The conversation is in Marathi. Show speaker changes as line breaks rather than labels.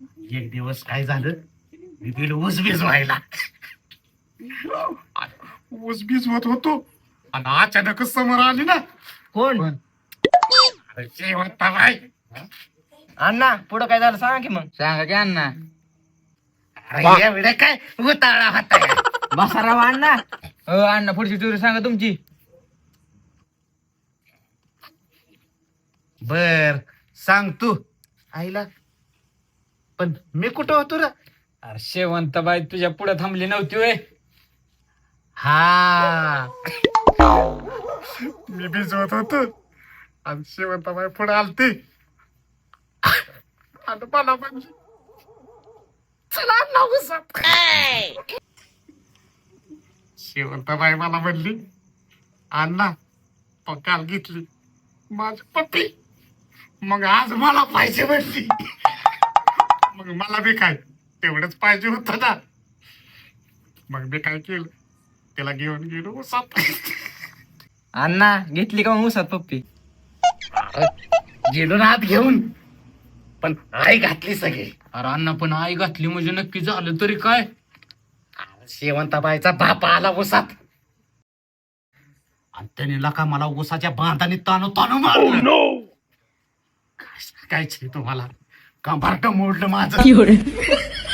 एक दिवस काय झालं, मी गेलो ऊसबीज व्हायला. ऊसबीज होत होतो आणि अचानकच समोर आली ना.
कोण?
अरे शेवंताबाई.
अण्णा पुढं काय झालं सांगा की मग.
सांगा की अण्णा.
अरे एवढे काय उताळा होता.
बसा राव अण्णा.
अण्णा पुढची स्टोरी सांगा तुमची.
बर सांग तू. आईला पण मी कुठं होतो रे?
अरे शेवंताबाई तुझ्या पुढे थांबली नव्हती होय.
हा मी भिजवत होतो आणि शेवंताबाई पुढे आलती आणि मला म्हणजे चला ना उसात. शेवंताबाई मला म्हणली अण्णा पण काल घेतली माझी पप्पी, मग आज मला पाहिजे म्हणली. मग मला बी काय तेवढंच पाहिजे होतं ना. मग मी काय केलं, त्याला घेऊन गेलो उसात.
अण्णा घेतली का मग उसात पप्पी?
गेलो ना आत घेऊन, पण आई घातली सगळी.
अरे अण्णा पण आई घातली म्हणजे नक्की झालं तरी काय.
शेवंताबाईचा बाप आला उसात आणि त्याने लका मला उसाच्या बांधाने ताणू ताणू मारलं. काय सांगायचंय तुम्हाला, कंबारट मोडलं माझं.